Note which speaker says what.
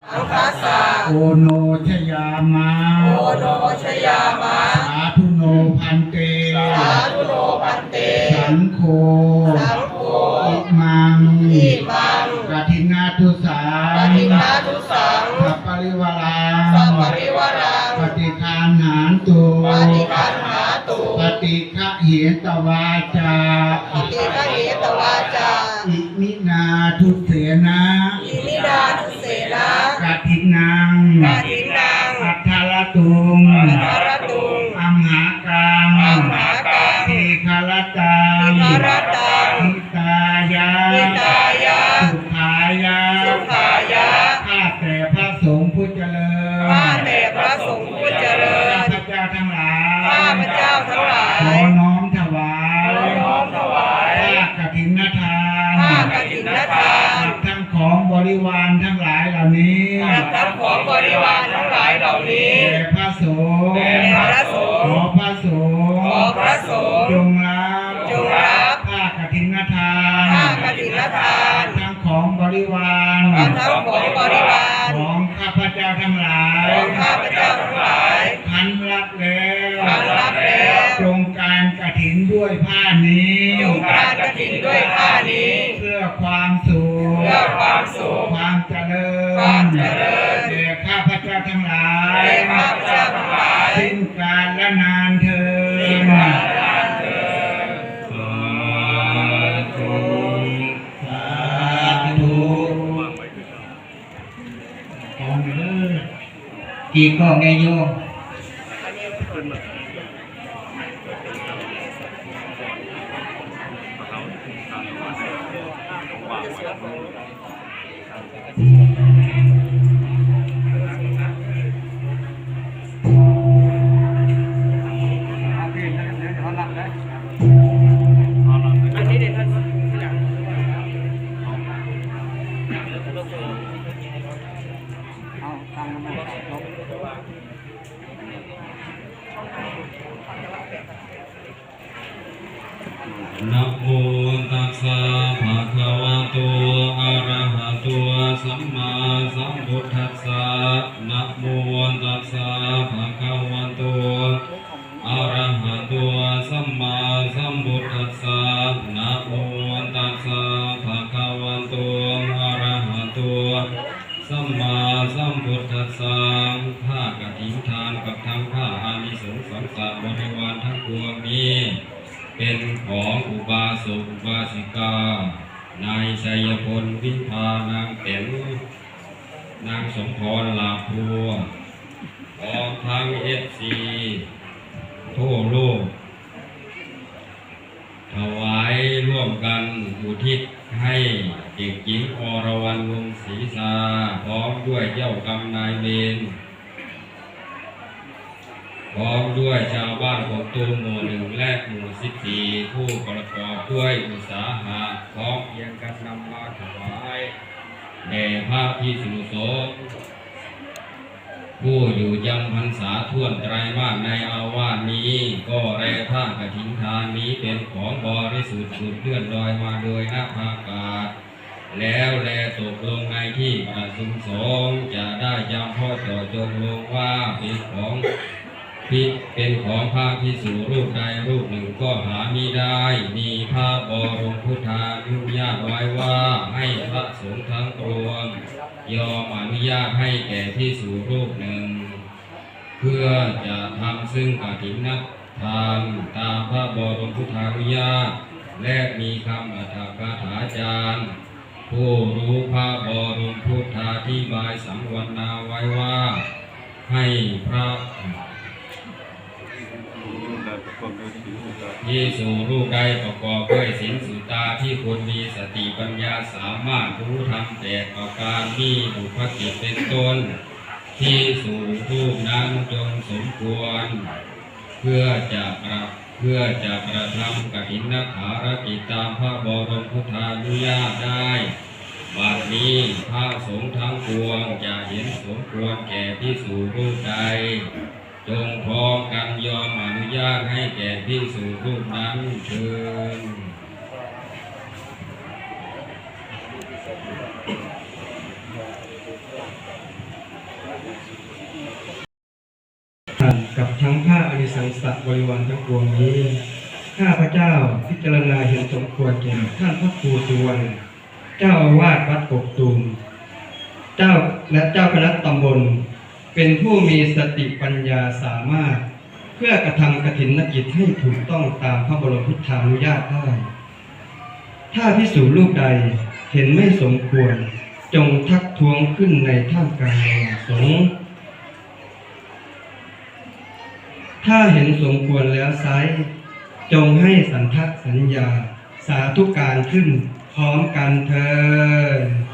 Speaker 1: สังคัสสะ
Speaker 2: โอโนชยามะ
Speaker 1: โอโนชยามะ
Speaker 2: สาธุโนพันเต
Speaker 1: สาธุโนพันเต
Speaker 2: สังโฆ
Speaker 1: สังโฆ
Speaker 2: อิมัง
Speaker 1: อิมัง
Speaker 2: กฐินาทุสา
Speaker 1: ปฏินาทุสัง
Speaker 2: สัพปริวารัง
Speaker 1: สัพปริวารัง
Speaker 2: ปฏิคานหานตุ
Speaker 1: ปฏิคันหาตุ
Speaker 2: ปฏิฆะเหตวาจา
Speaker 1: ปฏิฆะเหตวาจา
Speaker 2: อิมินาทุเสนะ
Speaker 1: อิมิดาทุเสนะ
Speaker 2: กฐินัง
Speaker 1: กฐินัง
Speaker 2: อัทธารตุง
Speaker 1: อัทธารตุง
Speaker 2: อัมหากัง
Speaker 1: อัมหากัง
Speaker 2: ทีฆรตัง
Speaker 1: ทีฆรตัง
Speaker 2: หิตายะ
Speaker 1: หิตายะ
Speaker 2: สุขายะ
Speaker 1: สุขายะ
Speaker 2: ข้าแต่พระสงฆ์ผู้เจริญ
Speaker 1: ข้าแต่พระสงฆ์ผู้เจริญ
Speaker 2: ข้าพเจ้าทั้งหลาย
Speaker 1: ข้าพเจ้าทั้งหลาย
Speaker 2: ขอน้อมถวาย
Speaker 1: ขอน้อมถวาย
Speaker 2: ผ้ากฐินทาน
Speaker 1: ผ้ากฐินทาน
Speaker 2: กับทั้งของบริวารทั้งหลายเหล่านี้
Speaker 1: กับทั้งของบริวารทั้งหลายเหล่านี้
Speaker 2: แด่พระสงฆ์
Speaker 1: แด่พระสงฆ์
Speaker 2: ขอพระสงฆ์
Speaker 1: ขอพระสงฆ์
Speaker 2: จงรับผ้ากฐินทาน
Speaker 1: ผ้ากฐินทาน
Speaker 2: ทั้งของบริวาร
Speaker 1: ทั้งของบริวาร
Speaker 2: ของข้าพเจ้าทั้งหลาย
Speaker 1: ของข้าพเจ้าทั้งหลาย
Speaker 2: พันรับแล้ว
Speaker 1: พันรับแล้ว
Speaker 2: จงการกฐินด้วยผ้านี้
Speaker 1: จงการกฐินด้วยผ้านี้
Speaker 2: เพื่อความสุข
Speaker 1: เพื่อความสุข
Speaker 2: ความเจริญ
Speaker 1: ความเจริญ
Speaker 2: แด่ข้าพเจ้าทั้งหลาย
Speaker 1: แด่ข้าพเจ้าทั้งหลาย
Speaker 2: สิ้นกาลและนานเถิดกี่กล้องไงโยม
Speaker 3: นะโมตัสสะภะคะวะโตอะระหะโตสัมมาสัมพุทธัสสะนะโมตัสสะภะคะวะโตอะระหะโตสัมมาสัมพุทธัสสะนะโมตัสสะภะคะวะโตอะระหะโตสัมมาสัมพุทธัสสะผ้ากฐินทานกับทั้งผ้าอานิสงส์สังสารบริวารทั้งปวงนี้เป็นของอุบาสกอุบาสิกานายชัยพลวิภานางเต๋วนางสมพรลาภัวออกทางFCทั่วโลกถวายร่วมกันอุทิศให้เด็กหญิงอรวรรณวงศ์ศรีสาพร้อมด้วยเจ้ากรรมนายเวรพร้อมด้วยชาวบ้านของตูมหมู่1และหมู่14ผู้ประกอบด้วยอุตสาหะพร้อมเพียงกันนำมาถวายแด่พระภิกษุสงฆ์ผู้อยู่จำพรรษาท่วนไตรมาสในอาวาสนี้ก็แลผ้ากฐินทานนี้เป็นของบริสุทธิ์สุดเลื่อนลอยมาโดยนภาอากาศแล้วแลตกลงในที่ประชุมสงฆ์จะได้จำพ่อต่อจงลงว่าเป็นของพระภิกษุรูปใดรูปหนึ่งก็หามิได้มีพระบรมพุทธานุญาตไว้ว่าให้พระสงฆ์ทั้งปวงยอมอนุญาตให้แก่ภิกษุรูปหนึ่งเพื่อจะทำซึ่งกฐินทานตามพระบรมพุทธานุญาตและมีคำอรรถกถาจารย์ผู้รู้พระบรมพุทธาธิบายสังวรณาไว้ว่าให้พระภิกษุรูปใดประกอบด้วยศีลสุตาที่คนมีสติปัญญาสามารถรู้ธรรม8ประการมีบุพกิจเป็นต้นภิกษุรูปนั้นจงสมควรเพื่อจะประทำกฐินขารกิจตามพระบรมพุทธานุญาตได้บัดนี้พระสงฆ์ทั้งปวงจะเห็นสมควรแก่ภิกษุรูปใดจงพร้อมกันยอมอนุญาตให้แก่ภิกษุรูปนั้นเถิด
Speaker 2: ข
Speaker 4: กับทั้งผ้าอริสังสะบริวารทั้งปวงนี้ข้าพระเจ้าพิจารณาเห็นสมควรแก่ท่านพระครูสุวรรณเจ้าอาวาสวัดกกตูมเจ้าและเจ้าคณะตำบลเป็นผู้มีสติปัญญาสามารถเพื่อกระทำกฐินกิจให้ถูกต้องตามพระบรมพุทธานุญาตได้ถ้าภิกษุรูปใดเห็นไม่สมควรจงทักท้วงขึ้นในท่ามกลางสงฆ์ถ้าเห็นสมควรแล้วไซร้จงให้สันทัดสัญญาสาธุการขึ้นพร้อมกันเถิด